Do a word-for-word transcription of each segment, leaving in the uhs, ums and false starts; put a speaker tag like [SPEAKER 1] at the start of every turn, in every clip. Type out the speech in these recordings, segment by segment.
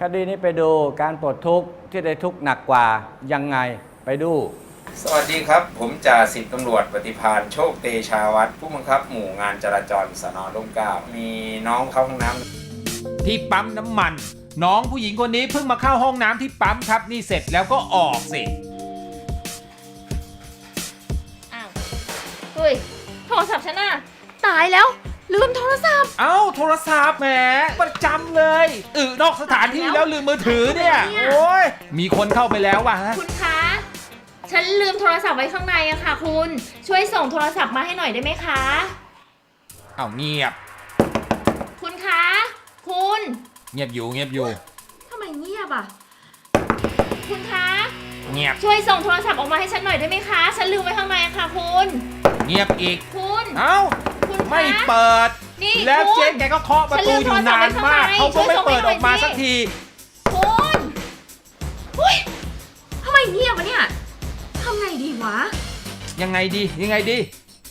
[SPEAKER 1] ดีนี้ไปดูการปลดทุกข์ที่ได้ทุกข์หนักกว่ายังไงไปดู
[SPEAKER 2] สวัสดีครับผมจ่าสิบตำรวจปฏิภาณโชคเตชาวัฒน์ผู้บังคับหมู่งานจราจรสน.ร่มเกล้ามีน้องเข้าห้องน้ำ
[SPEAKER 3] ที่ปั๊มน้ำมันน้องผู้หญิงคนนี้เพิ่งมาเข้าห้องน้ำที่ปั๊มครับนี่เสร็จแล้วก็ออกสิ
[SPEAKER 4] อ้าวเฮ้ยโทรศัพท์ฉันน่ะตายแล้วลืมโทรศัพท์
[SPEAKER 3] เอ้าโทรศัพท์แหมประจำเลยอึนอกสถานที่แล้วลืมมือถือเนี่ยโอ้ยมีคนเข้าไปแล้วว่ะ
[SPEAKER 4] คุณคะฉันลืมโทรศัพท์ไว้ข้างในอะค่ะคุณช่วยส่งโทรศัพท์มาให้หน่อยได้ไหมคะ
[SPEAKER 3] เอ้าเงียบ
[SPEAKER 4] คุณคะคุณ
[SPEAKER 3] เงียบอยู่เงียบอยู่
[SPEAKER 4] ทำไมเงียบอะคุณคะ
[SPEAKER 3] เงียบ
[SPEAKER 4] ช่วยส่งโทรศัพท์ออกมาให้ฉันหน่อยได้ไหมคะฉันลืมไว้ข้างในอะค่ะคุณ
[SPEAKER 3] เงียบอีก
[SPEAKER 4] คุณ
[SPEAKER 3] เอ้าไม่เปิดแล้วเจ๊แกก็เคาะประตูอยู่นานมากเขาก็ไม่เปิดออกมาสักที
[SPEAKER 4] คุณอุ้ยทำไมเงียบวะเนี่ยทำไงดีวะ
[SPEAKER 3] ยังไงดียังไงดี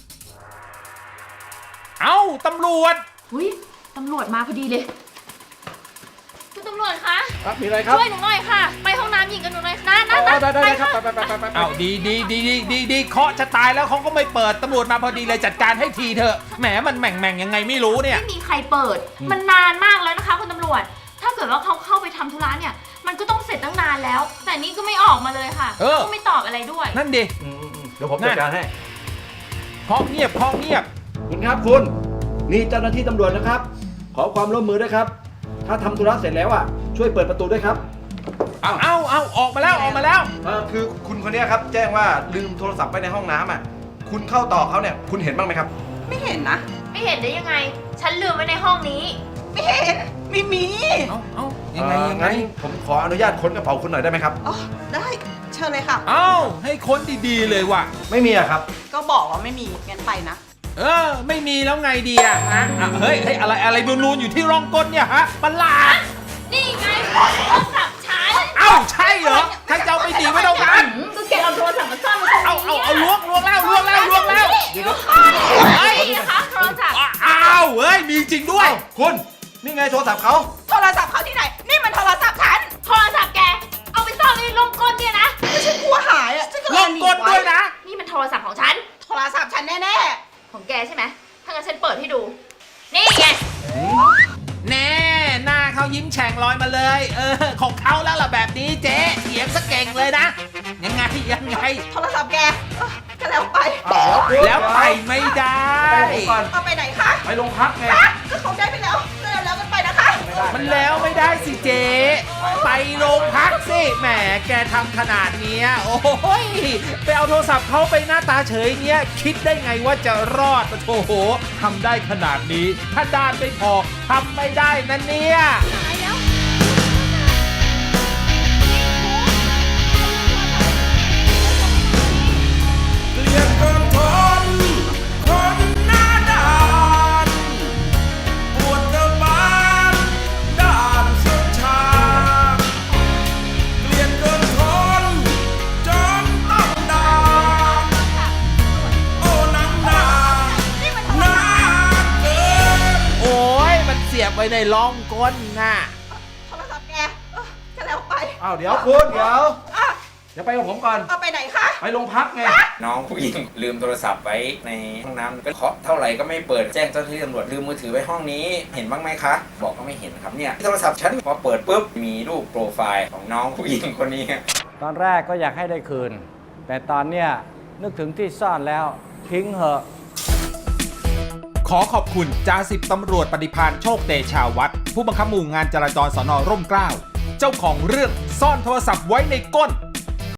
[SPEAKER 3] เอ้าตำรวจ
[SPEAKER 4] อุ้ยตำรวจมาพอดีเลยคุณตำรวจคะ
[SPEAKER 1] ครับมีอะไรครับ
[SPEAKER 4] ช่วยหนูหน่อยค่ะไปห้องน้ำหญิงกับหนูหน่อยนะนะ
[SPEAKER 1] ได้ได้ครับไปไปไปไป
[SPEAKER 3] เอ้าดีดีดีดีดีดีเคาะจะตายแล้วเขาก็ไม่เปิดตำรวจมาพอดีเลยจัดการให้ทีเถอะแหมมันแหม่งแม่งยังไงไม่รู้เนี่ย
[SPEAKER 4] ไม่มีใครเปิดมันนานมากแล้วนะคะคุณตำรวจถ้าเกิดว่าเขาเข้าไปทำธุระเนี่ยมันก็ต้องเสร็จตั้งนานแล้วแต่นี่ก็ไม่ออกมาเลยค่ะก็ไม่ตอบอะไรด้วย
[SPEAKER 3] นั่นดิ
[SPEAKER 1] เดี๋ยวผมจัดการให้
[SPEAKER 3] เคาะเงียบเคาะเงียบ
[SPEAKER 1] คุณครับคุณนี่เจ้าหน้าที่ตำรวจนะครับขอความร่วมมือด้วยครับถ้าทำธุระเสร็จแล้วอ่ะช่วยเปิดประตูด้วยครับ
[SPEAKER 3] เอาเอาเอาออกมาแล้วออกมาแล้ว
[SPEAKER 5] เออคือคุณคนนี้ครับแจ้งว่าลืมโทรศัพท์ไว้ในห้องน้ำอ่ะคุณเข้าต่อเขาเนี่ยคุณเห็นบ้างไหมครับ
[SPEAKER 6] ไม่เห็นนะ
[SPEAKER 4] ไม่เห็นได้ยังไงฉันลืมไว้ในห้องนี้
[SPEAKER 6] ไม่เห็นไม่มี
[SPEAKER 3] เอาเอายังไงยังไง
[SPEAKER 5] ผมขออนุญาตค้นกระเป๋าคุณหน่อยได้ไหมครับ
[SPEAKER 6] อ๋อได้เชิญเลยค่ะ
[SPEAKER 3] เอาให้ค้นดีๆเลยว่ะ
[SPEAKER 5] ไม่มีอะครับ
[SPEAKER 6] ก็บอกว่าไม่มีงั้นไปนะ
[SPEAKER 3] เออไม่มีแล้วไงดีอะฮะเฮ้ยเฮ้ยอะไรอะไรนูนๆอยู่ที่ร่องก้นเนี่ยฮะประหลาด
[SPEAKER 4] นี่ไงโทรศัพท์ฉัน
[SPEAKER 3] เอ้าใช่เหรอใครจะเอาไปดีไว้ตรงนั้น
[SPEAKER 4] ก็แกเอาโทรศัพท์มาซ่อนไว้ตรงนี้
[SPEAKER 3] เอาเอาเอาล้วงล้วงแล้วล้วงแล้วล้วงแล้ว
[SPEAKER 4] เดี๋ยวเฮ้ยนะคะโทรศัพท์
[SPEAKER 3] อ้าวเฮ้ยมีจริงด้วย
[SPEAKER 5] คุณนี่ไงโทรศัพท์เขา
[SPEAKER 6] โทรศัพท์เขาที่ไหนนี่มันโทรศัพท์ฉัน
[SPEAKER 4] โทรศัพท์แกเอาไปซ่อนไว้ในร่องก้นเนี่ยนะ
[SPEAKER 6] ไม่ใช่กลัวหายอ่ะฉันก็เลย
[SPEAKER 3] ร่องก้นด้วยนะ
[SPEAKER 4] นี่มันโทรศัพท์ของฉัน
[SPEAKER 6] โทรศัพท์ฉันแน่
[SPEAKER 4] ๆของแกใช่ไหมถ้างั้นฉันเปิดให้ดูนี่ไง
[SPEAKER 3] แน่หน้าเขายิ้มแฉ่งลอยมาเลยเออของเขาแล้วล่ะแบบนี้เจ๊เถียงซะเก่งเลยนะยังไงยังไง
[SPEAKER 6] โทรศัพท์แกก็แล้วไป
[SPEAKER 3] แล้วไปไม่ได้
[SPEAKER 6] เอาไปไหนคะ
[SPEAKER 5] ไปโรงพักไง
[SPEAKER 6] ก็เขาได้ไปแล้วแล้วแล้วกันไปนะคะ
[SPEAKER 3] มันแล้วไม่ได้สิเจ๊ไปโรงพักสิแหมแกทำขนาดนี้โอ้ยไปเอาโทรศัพท์เขาไปหน้าตาเฉยเนี้ยคิดได้ไงว่าจะรอดโอ้โหทำได้ขนาดนี้ถ้าด้านไม่พอทำไม่ได้นะเนี่ย
[SPEAKER 7] เกลียดเกินทนคนหน้าด้านปวดกระบาลด้านเสียชาเกลียดเกินทนจนต้องด่าโอ้นางนาหน้าเกิน
[SPEAKER 3] โอ้ยมันเสียบไว้ในร่องก้นน่ะ
[SPEAKER 6] โทรศัพท์แกก็แล้วไป
[SPEAKER 5] อ้าวเดี๋ยวคุณเดี๋ยวเดี๋ยวไปกับผมก่อน
[SPEAKER 6] เอาไปไหนคะ
[SPEAKER 5] ไปโรงพักไง
[SPEAKER 2] น้องผู้หญิงลืมโทรศัพท์ไว้ในห้องน้ำก็เคาะเท่าไหร่ก็ไม่เปิดแจ้งเจ้าหน้าที่ตำรวจลืมมือถือไว้ห้องนี้เห็นบ้างไหมคะบอกก็ไม่เห็นครับเนี่ยโทรศัพท์ฉันพอเปิดปุ๊บมีรูปโปรไฟล์ของน้องผู้หญิงคนนี้
[SPEAKER 1] ตอนแรกก็อยากให้ได้คืนแต่ตอนเนี้ยนึกถึงที่ซ่อนแล้วทิ้งเหอะ
[SPEAKER 3] ขอขอบคุณจ่าสิบตำรวจปฏิภาณโชคเตชาวัฒน์ผู้บังคับหมู่งานจราจรสน.ร่มเกล้าเจ้าของเรื่องซ่อนโทรศัพท์ไว้ในก้น